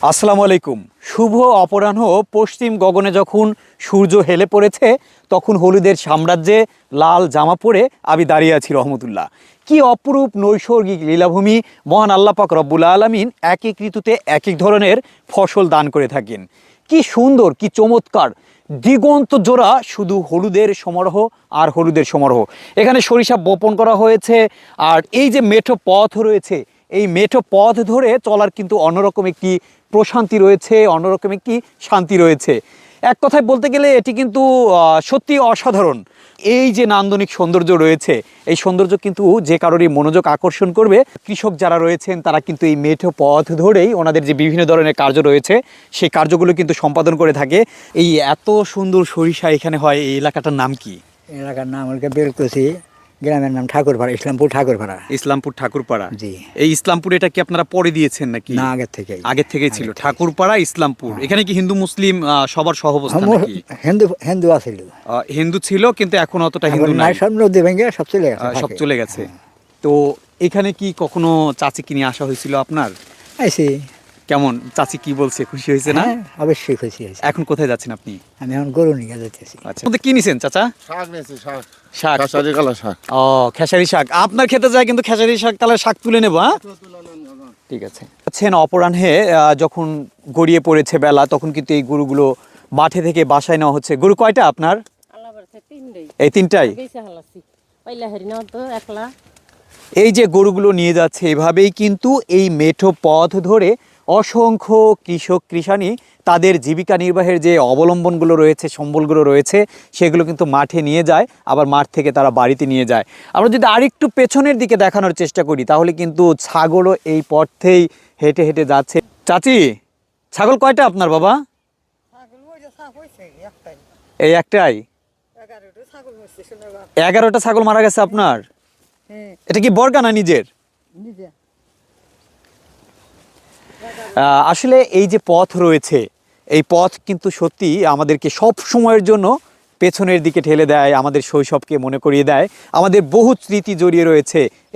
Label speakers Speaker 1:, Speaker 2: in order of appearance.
Speaker 1: আসসালামু আলাইকুম। শুভ অপরাহ্ন। পশ্চিম গগনে যখন সূর্য হেলে পড়েছে তখন হলুদের সাম্রাজ্যে লাল জামা পরে আমি দাঁড়িয়ে আছি রহমতুল্লাহ। কি অপরূপ নৈসর্গিক লীলাভূমি! মহান আল্লাহ পাক রব্বুল আলামিন এক এক ঋতুতে এক এক ধরনের ফসল দান করে থাকেন। কি সুন্দর, কি চমৎকার! দিগন্ত জোড়া শুধু হলুদের সমারোহ আর হলুদের সমারোহ। এখানে সরিষা বপন করা হয়েছে, আর এই যে মেঠো পথ রয়েছে, এই মেঠো পথ ধরে চলার কিন্তু অন্যরকম একটি প্রশান্তি রয়েছে, অন্যরকম একটি শান্তি রয়েছে। এক কথায় বলতে গেলে এটি কিন্তু সত্যি অসাধারণ। এই যে নান্দনিক সৌন্দর্য রয়েছে, এই সৌন্দর্য কিন্তু যে কারোরই মনোযোগ আকর্ষণ করবে। কৃষক যারা রয়েছেন তারা কিন্তু এই মেঠো পথ ধরেই ওনাদের যে বিভিন্ন ধরনের কার্য রয়েছে সেই কার্যগুলো কিন্তু সম্পাদন করে থাকে। এই এত সুন্দর সরিষা এখানে হয়, এই এলাকাটার নাম কি?
Speaker 2: এলাকার নাম হলকে বেলকুচি, গ্রামের নাম ঠাকুরপাড়া, ইসলামপুর ঠাকুরপাড়া।
Speaker 1: ইসলামপুর ঠাকুরপাড়া।
Speaker 2: জি।
Speaker 1: এই ইসলামপুর এটা কি আপনারা পরে দিয়েছেন নাকি?
Speaker 2: না, আগের থেকে।
Speaker 1: আগের থেকেই ছিল ঠাকুরপাড়া ইসলামপুর। এখানে কি হিন্দু মুসলিম সবার সহাবস্থান নাকি?
Speaker 2: হিন্দু হিন্দু আছিল,
Speaker 1: হিন্দু ছিল, কিন্তু এখন অতটা
Speaker 2: এখন
Speaker 1: হিন্দু
Speaker 2: নাই,
Speaker 1: নাই,
Speaker 2: সব নদী ভেঙে সব চলে গেছে,
Speaker 1: সব
Speaker 2: ফাঁকে।
Speaker 1: চলে গেছে। তো এখানে কি কখনো চাচি কিনে আসা হয়েছিল আপনার?
Speaker 2: আইছি।
Speaker 1: কেমন চাচি কি বলছে, খুশি হয়েছে না?
Speaker 2: হ্যাঁ, অবশ্যই খুশি হয়েছে।
Speaker 1: এখন কোথায় যাচ্ছেন আপনি?
Speaker 2: আমি এখন গরু নিয়ে যেতেছি।
Speaker 1: আচ্ছা, মধ্যে কি নিছেন চাচা?
Speaker 3: শাক নিয়েছি, শাক।
Speaker 1: শাক।
Speaker 3: খেসারি কালা শাক।
Speaker 1: ও, খেসারি শাক। আপনার খেতে যায় কিন্তু খেসারি শাক, তাহলে শাক তুলে নেবো। হ্যাঁ, ঠিক আছে। আছেন অপরাহ্নে যখন গড়িয়ে পড়েছে বেলা, তখন কিন্তু এই গরুগুলো মাঠে থেকে বাসায় নেওয়া হচ্ছে। গরু কয়টা আপনার? এই তিনটাই। এই যে গরুগুলো নিয়ে যাচ্ছে, এভাবেই কিন্তু এই মেঠো পথ ধরে অসংখ্য কৃষক কৃষানি তাদের জীবিকা নির্বাহের যে অবলম্বনগুলো রয়েছে, সম্বলগুলো রয়েছে, সেগুলো কিন্তু মাঠে নিয়ে যায়, আবার মাঠ থেকে তারা বাড়িতে নিয়ে যায়। আমরা যদি আরেকটু পেছনের দিকে দেখানোর চেষ্টা করি, তাহলে কিন্তু ছাগলও এই পথেই হেঁটে হেঁটে যাচ্ছে। চাচি, ছাগল কয়টা আপনার বাবা? এই একটাই? 11টা ছাগল মারা গেছে আপনার? এটা কি বর্গা না নিজের? আসলে এই যে পথ রয়েছে, এই পথ কিন্তু সত্যি আমাদেরকে সব সময়ের জন্য পেছনের দিকে ঠেলে দেয়, আমাদের শৈশবকে মনে করিয়ে দেয়। আমাদের বহু স্মৃতি জড়িয়ে রয়েছে